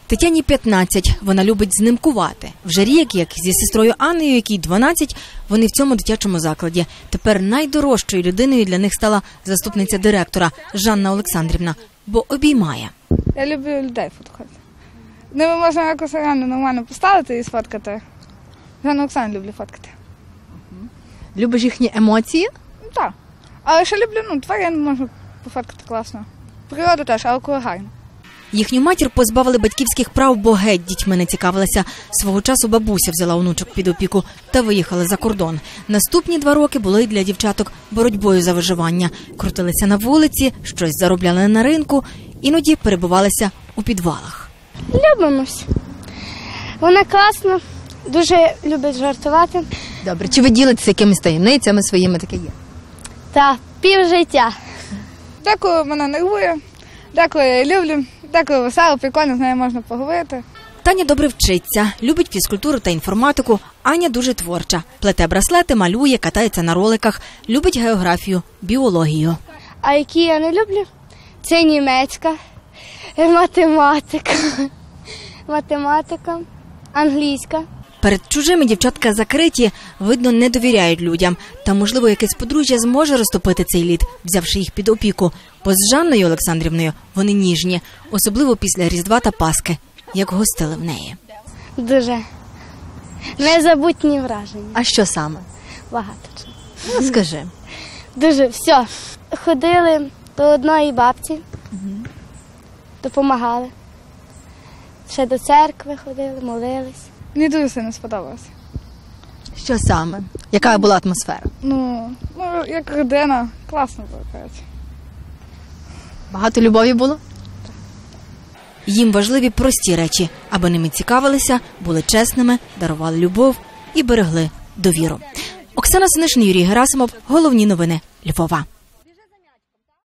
Тетяні 15, вона любить знимкувати. Вже рік, як зі сестрою Анною, якій 12, вони в цьому дитячому закладі. Тепер найдорожчою людиною для них стала заступниця директора Жанна Олександрівна, бо обіймає. Я люблю людей фоткати. Ними можна якось реально нормально поставити і сфоткати. Жанну Олександрівну люблю фоткати. Любиш їхні емоції? Ну, так. Але ще люблю, тварин можна пофоткати класно. Природу теж, але коли гарно. Їхню матір позбавили батьківських прав, бо геть дітьми не цікавилася. Свого часу бабуся взяла онучок під опіку та виїхала за кордон. Наступні 2 роки були для дівчаток боротьбою за виживання. Крутилися на вулиці, щось заробляли на ринку, іноді перебувалися у підвалах. Любимось. Вона класна, дуже любить жартувати. Добре, чи ви ділитеся якимись таємницями своїми, таке є? Та півжиття. Деколи мене нервує, деколи я її люблю, деколи весело, прикольно, з нею можна поговорити. Таня добре вчиться, любить фізкультуру та інформатику. Аня дуже творча. Плете браслети, малює, катається на роликах, любить географію, біологію. А які я не люблю? Це німецька, математика, англійська. Перед чужими дівчатка закриті, видно, не довіряють людям. Та, можливо, якесь подружжя зможе розтопити цей лід, взявши їх під опіку. Бо з Жанною Олександрівною вони ніжні, особливо після Різдва та Пасхи, як гостили в неї. Дуже незабутні враження. А що саме? Багато чого. Ну, скажи. Дуже, все. Ходили до одної бабці, допомагали. Ще до церкви ходили, молились. Мені дуже сильно сподобалося. Що саме? Яка була атмосфера? Як родина, класно було, коротше. Багато любові було? Їм важливі прості речі, аби ними цікавилися, були чесними, дарували любов і берегли довіру. Оксана Синишин, Юрій Герасимов. Головні новини Львова.